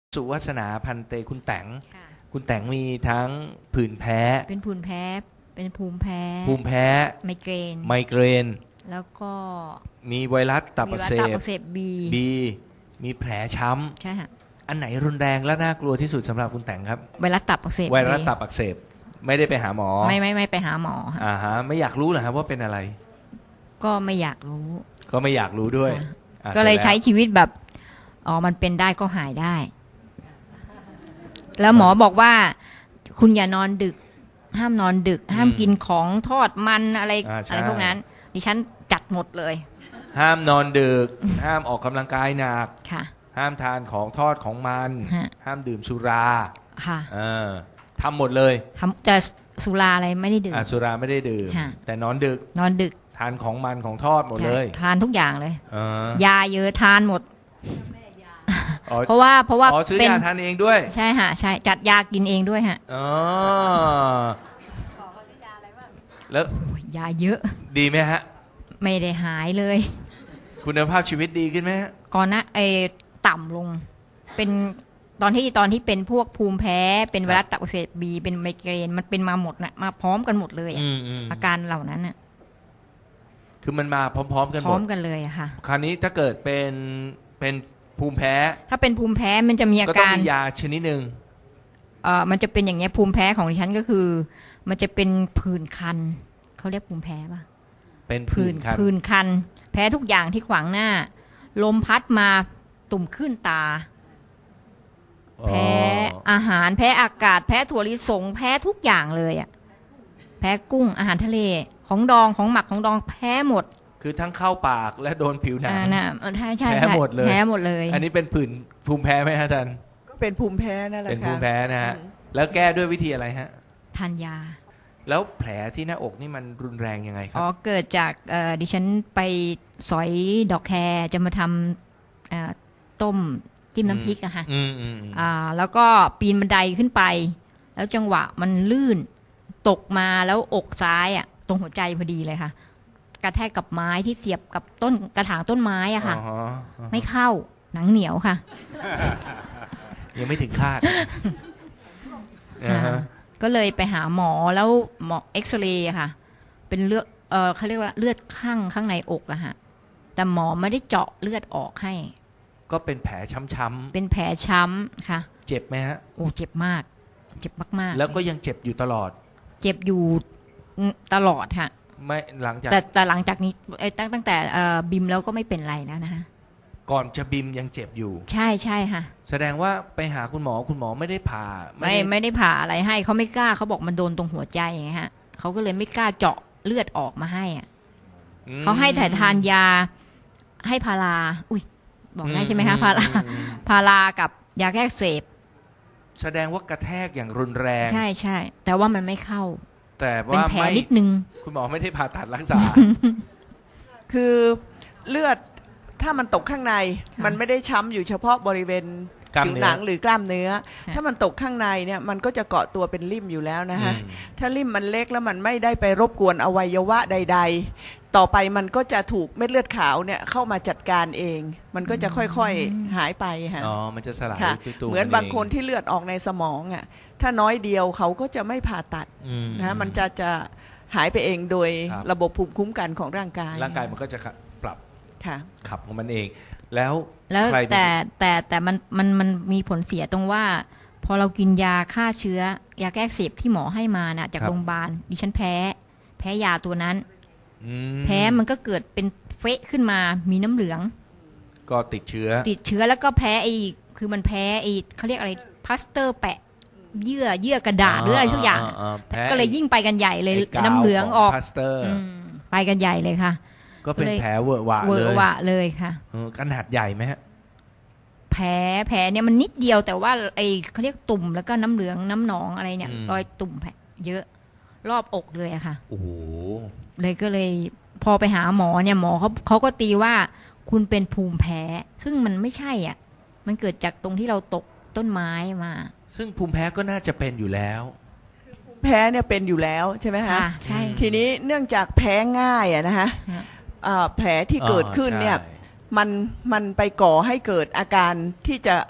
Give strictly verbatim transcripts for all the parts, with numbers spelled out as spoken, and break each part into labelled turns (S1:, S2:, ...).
S1: สุวัฒนาพันเตคุณแต๋ง
S2: ค่ะ
S1: คุณแต๋งมีทั้งผื่นแพ้
S2: เป็นผื่นแพ้เป็นภูมิแพ้
S1: ภูมิแพ้
S2: ไมเกรน
S1: ไมเกรน
S2: แล้วก็
S1: มีไวรัสตับอักเส
S2: มีไวรัสตับ
S1: บ
S2: อักเสบบี
S1: บีมีแผลช้
S2: ใช่ค่ะ
S1: ำอันไหนรุนแรงและน่ากลัวที่สุดสำหรับคุณแต๋งครับ
S2: ไวรัสตับอักเสบ
S1: ไวรัสตับอักเสบไม่ได้ไปหาหมอ
S2: ไม่ไม่ไม่ไปหาหมอค่ะ
S1: อ่าฮะไม่อยากรู้เหรอครับว่าเป็นอะไร
S2: ก็ไม่อยากรู้
S1: ก็ไม่อยากรู้ด้วย
S2: ค่ะก็เลยใช้ชีวิตแบบอ๋อมันเป็นได้ก็หายได้แล้วหมอบอกว่าคุณอย่านอนดึกห้ามนอนดึกห้ามกินของทอดมันอะไรอะไรพวกนั้นดิฉันจัดหมดเลย
S1: ห้ามนอนดึก ห้ามออกกำลังกายหนัก
S2: ค่ะ
S1: ห้ามทานของทอดของมันห้ามดื่มสุรา
S2: ค่ะ
S1: เออทำหมดเลย
S2: ทำแต่สุราอะไรไม่ได้ดื่ม
S1: สุราไม่ได้ดื่มแต่นอนดึก
S2: นอนดึก
S1: ทานของมันของทอดหมดเลย
S2: ทานทุกอย่างเลย
S1: ย
S2: าเยอะทานหมดเพราะว่าเพราะว่า
S1: อ๋อซื้อยาทานเองด้วย
S2: ใช่ฮะใช่จัดยากินเองด้วยฮะ
S1: อ๋อแล้ว
S2: ยาเยอะ
S1: ดีไหมฮะ
S2: ไม่ได้หายเลย
S1: คุณภาพชีวิตดีขึ้นไหมฮะ
S2: ก่อนนะไอ้ต่ำลงเป็นตอนที่ตอนที่เป็นพวกภูมิแพ้เป็นไวรัสตับอักเสบบีเป็นไมเกรนมันเป็นมาหมดนะมาพร้อมกันหมดเลยอาการเหล่านั้นน่ะ
S1: คือมันมาพร้อมๆกันหมด
S2: พร้อมกันเลยอะค่ะ
S1: คราวนี้ถ้าเกิดเป็นเป็นภูมิแพ้
S2: ถ้าเป็นภูมิแพ้มันจะมีอาการก็
S1: ต้องมียาชนิดหนึ่ง
S2: เอ่อมันจะเป็นอย่างเงี้ยภูมิแพ้ของดิฉันก็คือมันจะเป็นผื่นคันเขาเรียกภูมิแพ้ป่ะ
S1: เป็นผื่นคัน
S2: ผื่นคันแพ้ทุกอย่างที่ขวางหน้าลมพัดมาตุ่มขึ้นตาแพ้อาหารแพ้อากาศแพ้ถั่วลิสงแพ้ทุกอย่างเลยอ่ะแพ้กุ้งอาหารทะเลของดองของหมักของดองแพ้หมด
S1: คือทั้งเข้าปากและโดนผิวหนัง
S2: ใช่ใช่
S1: แพ้หมดเลย
S2: แพ้หมดเลย
S1: อันนี้เป็นผื่นภูมิแพ้ไหมฮะท่าน
S3: ก็เป็นภูมิแพ้นั่นแหละค่ะ
S1: เป็นภูมิแพ้นะฮะแล้วแก้ด้วยวิธีอะไรฮะ
S2: ทานยา
S1: แล้วแผลที่หน้าอกนี่มันรุนแรงยังไงครับ
S2: อ๋อเกิดจากดิฉันไปสอยดอกแครจะมาทำต้มจิ้มน้ำพริกอะค่ะแล้วก็ปีนบันไดขึ้นไปแล้วจังหวะมันลื่นตกมาแล้วอกซ้ายอะตรงหัวใจพอดีเลยค่ะกระแทกกับไม้ที่เสียบกับต้นกระถางต้นไม้อะค่ะไม่เข้าหนังเหนียวค่ะ
S1: ยังไม่ถึงคาด
S2: ก็เลยไปหาหมอแล้วหมอเอ็กซเรย์ค่ะเป็นเลือดเออเขาเรียกว่าเลือดข้างข้างในอกอะฮะแต่หมอไม่ได้เจาะเลือดออกให้
S1: ก็เป็นแผลช้ำ
S2: ๆเป็นแผลช้ำค่ะ
S1: เจ็บไหมฮะ
S2: โอ้เจ็บมากเจ็บมาก
S1: ๆแล้วก็ยังเจ็บอยู่ตลอด
S2: เจ็บอยู่ตลอดค่ะ
S1: ไม่หลังจาก
S2: แต่แต่หลังจากนี้ตั้งตั้งแต่บิมแล้วก็ไม่เป็นไรแล้วนะฮะ
S1: ก่อนจะบิมยังเจ็บอยู่
S2: ใช่ใช่ค่ะ
S1: แสดงว่าไปหาคุณหมอคุณหมอไม่ได้ผ่า
S2: ไม่ไม่ได้ผ่าอะไรให้เขาไม่กล้าเขาบอกมันโดนตรงหัวใจไงฮะเขาก็เลยไม่กล้าเจาะเลือดออกมาให้อ่ะเขาให้ถ่ายทานยาให้พาราอุ้ยบอกได้ใช่ไหมคะพาราพารากับยาแก้อักเสบ
S1: แสดงว่ากระแทกอย่างรุนแรง
S2: ใช่ใช่แต่ว่ามันไม่เข้า
S1: แต่ว่า
S2: เป็นแผลนิดนึง
S1: คุณหมอไม่ได้ผ่าตัดรักษา
S3: คือเลือดถ้ามันตกข้างในมันไม่ได้ช้ำอยู่เฉพาะบริเวณผิวหนังหรือกล้ามเนื้อถ้ามันตกข้างในเนี่ยมันก็จะเกาะตัวเป็นริ่มอยู่แล้วนะฮะถ้าริ่มมันเล็กแล้วมันไม่ได้ไปรบกวนอวัยวะใดๆต่อไปมันก็จะถูกเม็ดเลือดขาวเนี่ยเข้ามาจัดการเองมันก็จะค่อยๆหายไปค่ะ
S1: อ๋อมันจะสลาย
S3: เหมือนบางคนที่เลือดออกในสมองอ่ะถ้าน้อยเดียวเขาก็จะไม่ผ่าตัดนะมันจะจะหายไปเองโดยระบบภูมิคุ้มกันของร่างกาย
S1: ร่างกายมันก็จะปรับ
S3: ค่ะ
S1: ขับของมันเองแล้ว
S2: แล้วแต่แต่แต่มันมันมันมีผลเสียตรงว่าพอเรากินยาฆ่าเชื้อยาแก้อักเสบที่หมอให้มาน่ะจากโรงพยาบาลดิฉันแพ้แพ้ยาตัวนั้นแพ้มันก็เกิดเป็นเฟะขึ้นมามีน้ำเหลือง
S1: ก็ติดเชื้อ
S2: ติดเชื้อแล้วก็แพ้ไอ้คือมันแพ้ไอ้เขาเรียกอะไรพลาสเตอร์แปะเยื่อเยื่อกระดาษหรืออะไรสักอย่างก็เลยยิ่งไปกันใหญ่เลยน้ำเหลืองออกไปกันใหญ่เลยค่ะ
S1: ก็เป็นแผลเวอะหวะเลย
S2: เวอะหวะเลยค่ะ
S1: ขนาดใหญ่ไหมฮะ
S2: แผลแผลเนี่ยมันนิดเดียวแต่ว่าไอ้เขาเรียกตุ่มแล้วก็น้ำเหลืองน้ำหนองอะไรเนี่ยรอยตุ่มแผลเยอะรอบอกเลยอะค่ะ
S1: โอ้โห
S2: เลยก็เลยพอไปหาหมอเนี่ยหมอเขาเขาก็ตีว่าคุณเป็นภูมิแพ้ซึ่งมันไม่ใช่อ่ะมันเกิดจากตรงที่เราตกต้นไม้มา
S1: ซึ่งภูมิแพ้ก็น่าจะเป็นอยู่แล้ว
S3: แพ้เนี่ยเป็นอยู่แล้วใช่ไหมคะ
S2: ใช่
S3: ทีนี้เนื่องจากแพ้ง่ายอะนะคะแผลที่เกิดขึ้นเนี่ยมันมันไปก่อให้เกิดอาการที่จะท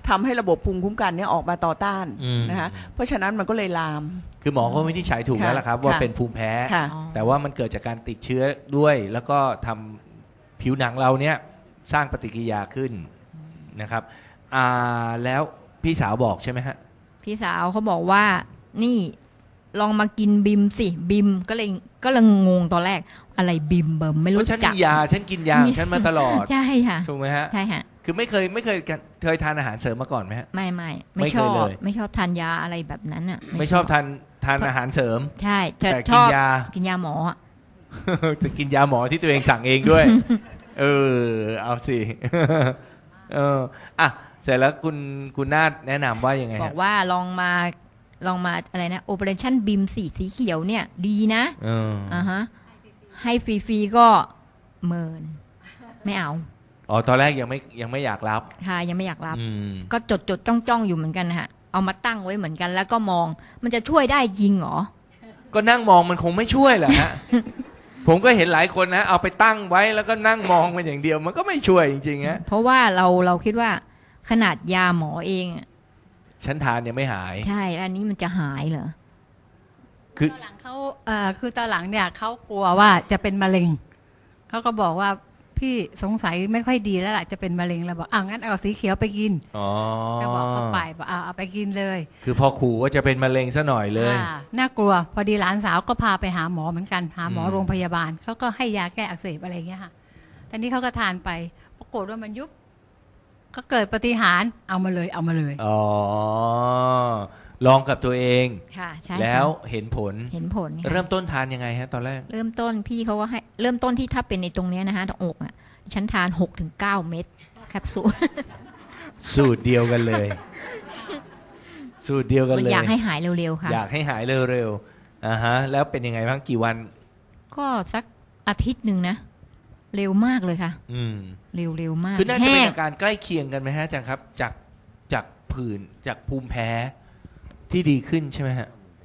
S3: ทำให้ระบบภูมิคุ้มกันเนี่ยออกมาต่อต้านนะคะเพราะฉะนั้นมันก็เลยลาม
S1: คือหมอก็วินิจฉัยถูกแล้วล่ะครับว่าเป็นภูมิแพ้แต่ว่ามันเกิดจากการติดเชื้อด้วยแล้วก็ทำผิวหนังเราเนี่ยสร้างปฏิกิริยาขึ้นนะครับอ่าแล้วพี่สาวบอกใช่ไหมฮะ
S2: พี่สาวเขาบอกว่านี่ลองมากินบิมสิบิมก็เลยก็เลยงงตอนแรกอะไรบิมเบิ่มไม่รู้จัก
S1: ฉันมียาฉันกินยาฉันมาตลอด
S2: ใช่ค่ะ
S1: ถูกไหมฮะ
S2: ใช่ค่ะ
S1: คือไม่เคยไม่เคยเคยทานอาหารเสริมมาก่อนไหมฮะ
S2: ไม่ไม่ไม่ชอบไม่ชอบทานยาอะไรแบบนั้นอ่ะ
S1: ไม่ชอบทานทานอาหารเสริม
S2: ใช่แต่
S1: กินยา
S2: กินยาหมอ
S1: แต่กินยาหมอที่ตัวเองสั่งเองด้วยเออเอาสิเอออ่ะเสร็จแล้วคุณคุณนาฏแนะนำว่ายังไง
S2: บอกว่าลองมาลองมาอะไรนะ Operation บี เอ็ม สีสีเขียวเนี่ยดีนะอ่าฮะให้ฟรีๆก็เมินไม่เอา
S1: อ๋อตอนแรกยังไม่ยังไม่อยากรับ
S2: ค่ะยังไม่อยากรับก็จดจดจ้องจ้องอยู่เหมือนกันฮะเอามาตั้งไว้เหมือนกันแล้วก็มองมันจะช่วยได้จริงเหรอ
S1: ก็นั่งมองมันคงไม่ช่วยแหละฮะ ผมก็เห็นหลายคนนะเอาไปตั้งไว้แล้วก็นั่งมองมันอย่างเดียวมันก็ไม่ช่วยจริงๆฮะ
S2: เพราะว่าเราเราคิดว่าขนาดยาหมอเอง
S1: ฉันทานยังไม่หาย
S2: ใช่อันนี้มันจะหายเหรอ
S4: คือตอนหลังเขาเอ่อคือตอนหลังเนี่ยเขากลัวว่าจะเป็นมะเร็งเขาก็บอกว่าพี่สงสัยไม่ค่อยดีแล้วล่ะจะเป็นมะเร็งแล้วบอกอ้าวงั้นเอาสีเขียวไปกิน
S1: อ๋อ
S4: ก็บอกเขาไปบอกเอาเอาไปกินเลย
S1: คือพอขู่ว่าจะเป็นมะเร็งซะหน่อยเลย
S4: น่ากลัวพอดีหลานสาวก็พาไปหาหมอเหมือนกันหาหมอโรงพยาบาลเขาก็ให้ยาแก้อักเสบอะไรเงี้ยค่ะตอนนี้เขาก็ทานไปปรากฏว่ามันยุบก็เกิดปาฏิหาริย์เอามาเลยเอามาเลย
S1: อ๋อลองกับตัวเอง
S2: ค่ะใช่
S1: แล้วเห็นผล
S2: เห็นผล
S1: เริ่มต้นทานยังไงฮะตอนแรก
S2: เริ่มต้นพี่เขาก็ให้เริ่มต้นที่ถ้าเป็นในตรงนี้นะฮะตรงอกอ่ะฉันทาน หกถึงเก้า เม็ดแคปซูล
S1: สูตรเดียวกันเลยสูตรเดียวกันเลย
S2: อยากให้หายเร็วๆค่ะ
S1: อยากให้หายเร็วๆอ่าฮะแล้วเป็นยังไงบ้างกี่วัน
S2: ก็สักอาทิตย์นึงนะเร็วมากเลยค่ะ
S1: อืม
S2: เร็วเร็วมาก
S1: คือน่าจะเป็นอาการใกล้เคียงกันไหมฮะอาจารย์ครับจากจากผื่นจากภูมิแพ้ที่ดีขึ้นใช่ไหมฮะ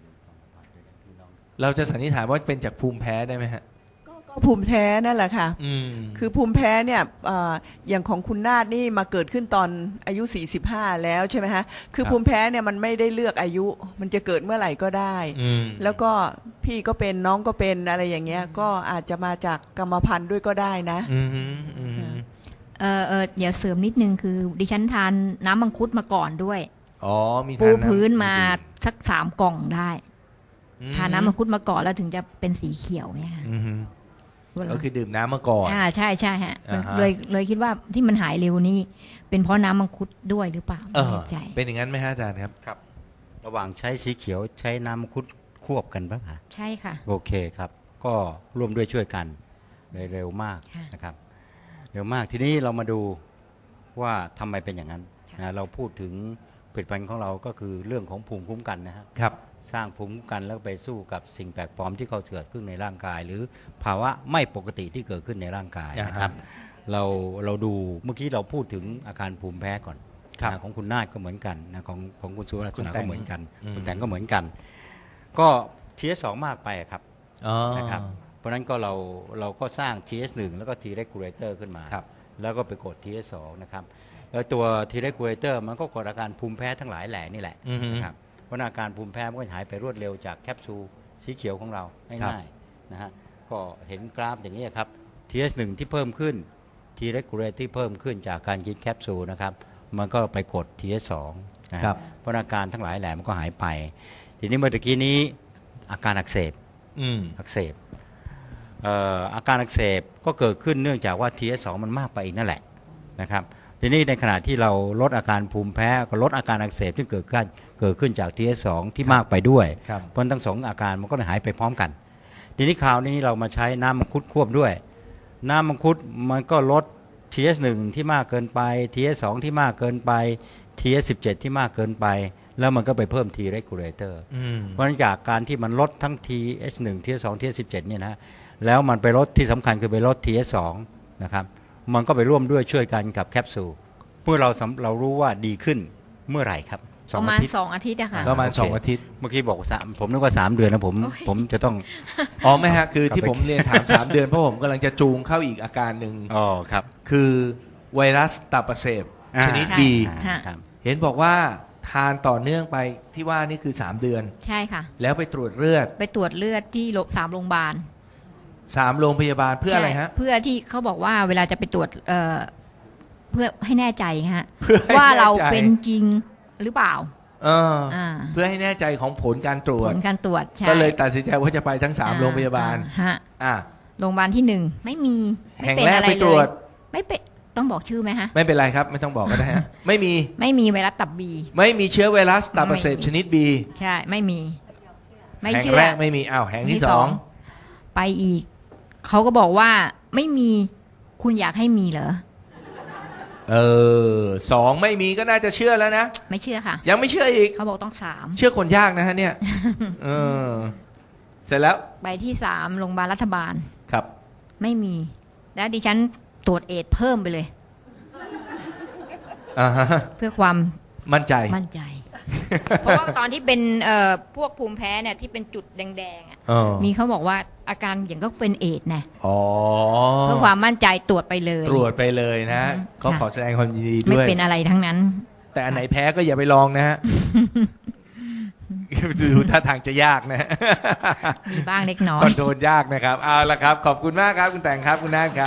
S1: เราจะสันนิษฐานว่าเป็นจากภูมิแพ้ได้ไหมฮะ
S3: ก็ภูมิแพ้นั่นแหละค่ะคือภูมิแพ้เนี่ยอย่างของคุณนาฏนี่มาเกิดขึ้นตอนอายุสี่สิบห้าแล้วใช่ไหมฮะคือภูมิแพ้เนี่ยมันไม่ได้เลือกอายุมันจะเกิดเมื่อไหร่ก็ได้แล้วก็พี่ก็เป็นน้องก็เป็นอะไรอย่างเงี้ยก็อาจจะมาจากกรรมพันธุ์ด้วยก็ได้นะ
S2: เออเออเดี๋ยวเสริมนิดนึงคือดิฉันทานน้ำมังคุดมาก่อนด้วย
S1: อ๋อมี
S2: ปูพื้นมาสักสามกล่องได้ทานน้ำมังคุดมาก่อนแล้วถึงจะเป็นสีเขียวเนี่ย
S1: ก็คือดื่มน้ำมาก่อน
S2: อ่าใช่ใช่ฮะเลยเลยคิดว่าที่มันหายเร็วนี่เป็นเพราะน้ำมังคุดด้วยหรือเปล่า
S1: ไม่แน่ใจเป็นอย่างนั้นไหมฮะอาจารย์ครับ
S5: ครับระหว่างใช้สีเขียวใช้น้ำมังคุดควบกันป่ะคะ
S2: ใช่ค่ะ
S5: โอเคครับก็ร่วมด้วยช่วยกันเลยเร็วมากนะครับเร็วมากทีนี้เรามาดูว่าทำไมเป็นอย่างนั้นนะเราพูดถึงผลิตภัณฑ์ของเราก็คือเรื่องของภูมิคุ้มกันนะครับสร้างภูมิคุ้มกันแล้วไปสู้กับสิ่งแปลกปลอมที่เขาเกิดขึ้นในร่างกายหรือภาวะไม่ปกติที่เกิดขึ้นในร่างกายนะครับเราเราดูเมื่อกี้เราพูดถึงอาการภูมิแพ้ก่อนนะของคุณนาฏก็เหมือนกันนะของของคุณสุรัตน์ก็เหมือนกันคุณแต่งก็เหมือนกันก็ ที เอส สอง มากไปครับนะครับเพราะนั้นก็เราเราก็สร้าง ที เอส หนึ่ง แล้วก็ T regulator ขึ้นมาแล้วก็ไปกด ที เอส สอง นะครับแล้วตัว T regulator มันก็กดอาการภูมิแพ้ทั้งหลายแหล่นี่แหละนะครับเพราะอาการภูมิแพ้มันก็หายไปรวดเร็วจากแคปซูลสีเขียวของเราง่ายๆนะฮะก็เห็นกราฟอย่างนี้ครับ ที เอส หนึ่ง ที่เพิ่มขึ้น T regulator ที่เพิ่มขึ้นจากการกินแคปซูลนะครับมันก็ไปกด ที เอส สอง นะครับเพราะอาการทั้งหลายแหล่มันก็หายไปทีนี้เมื่อกี้นี้อาการอักเสบอักเสบอาการอักเสบก็เกิดขึ้นเนื่องจากว่า ที เอส สอง มันมากไปอีกนั่นแหละนะครับทีนี้ในขณะที่เราลดอาการภูมิแพ้ก็ลดอาการอักเสบที่เกิดขึ้นเกิดขึ้นจาก ที เอส สอง ที่มากไปด้วยเพราะทั้งสองอาการมันก็หายไปพร้อมกันทีนี้คราวนี้เรามาใช้น้ำมังคุดควบด้วยน้ำมังคุดมันก็ลด ที เอส หนึ่ง ที่มากเกินไป ที เอส สอง ที่มากเกินไป ที เอส สิบเจ็ด ที่มากเกินไปแล้วมันก็ไปเพิ่ม T regulator เพราะฉะนั้นจากการที่มันลดทั้ง ที เอส หนึ่ง ที เอส สอง ที เอส สิบเจ็ด เนี่ยนะแล้วมันไปลดที่สำคัญคือไปลด ที เอส สอง นะครับมันก็ไปร่วมด้วยช่วยกันกับแคปซูลเมื่อเราเรารู้ว่าดีขึ้นเมื่อไหร่ครับ
S2: ประมาณสองอาทิตย์อะค่ะ
S1: ประมาณสองอาทิตย์
S5: เมื่อกี้บอกสามผมนึกว่าสามเดือนนะผมผมจะต้อง
S1: อ๋อไม่ฮะคือที่ผมเรียนถามสามเดือนเพราะผมกำลังจะจูงเข้าอีกอาการหนึ่ง
S5: อ๋อครับ
S1: คือไวรัสตับอักเสบชนิด B เห็นบอกว่าทานต่อเนื่องไปที่ว่านี่คือสามเดือน
S2: ใช่ค่ะ
S1: แล้วไปตรวจเลือด
S2: ไปตรวจเลือดที่โรงสามโรงพยาบาล
S1: สามโรงพยาบาลเพื่ออะไรฮะ
S2: เพื่อที่เขาบอกว่าเวลาจะไปตรวจเอ่อเพื่อให้แน่ใจฮะว่าเราเป็นจริงหรือเปล่า
S1: เออเพื่อให้แน่ใจของผลการตรวจ
S2: ผลการตรวจ
S1: ก็เลยตัดสินใจว่าจะไปทั้งสามโรงพยาบาล
S2: ฮะอ่าโรงพยาบาลที่หนึ่งไม่มี
S1: แห่งแรกไปตรวจ
S2: ไม่เป็นต้องบอกชื่อไหมฮะ
S1: ไม่เป็นไรครับไม่ต้องบอกก็ได้ฮะไม่มี
S2: ไม่มีไวรัสตับบี
S1: ไม่มีเชื้อไวรัสตับอักเสบชนิดบี
S2: ใช่ไม่มี
S1: ไม่เชื่อแห่งแรกไม่มีอ้าวแห่งที่สอง
S2: ไปอีกเขาก็บอกว่าไม่มีคุณอยากให้มีเหรอ
S1: เออสองไม่มีก็น่าจะเชื่อแล้วนะ
S2: ไม่เชื่อค่ะ
S1: ยังไม่เชื่ออีก
S2: เขาบอกต้องสาม
S1: เชื่อคนยากนะฮะเนี่ยเออเสร็จแล้ว
S2: ไปที่สามโรงพยาบาลรัฐบาล
S1: ครับ
S2: ไม่มีแล้วดิฉันตรวจเอดเพิ่มไปเลย
S1: อ่าฮะ
S2: เพื่อความ
S1: มั่นใจ
S2: มั่นใจเพราะว่าตอนที่เป็นเอ่อพวกภูมิแพ้เนี่ยที่เป็นจุดแดงๆอ่ะมีเขาบอกว่าอาการอย่างก็เป็นเอดส์นะ
S1: อ๋อ
S2: เพื่อความมั่นใจตรวจไปเลย
S1: ตรวจไปเลยนะก็ขอแสดงความยินดีด้วย
S2: ไม่เป็นอะไรทั้งนั้น
S1: แต่อันไหนแพ้ก็อย่าไปลองนะฮะดูท่าทางจะยากนะ
S2: มีบ้างเล็กน้อย
S1: คอนโทรลยากนะครับเอาละครับขอบคุณมากครับคุณแต่งครับคุณนาฏครับ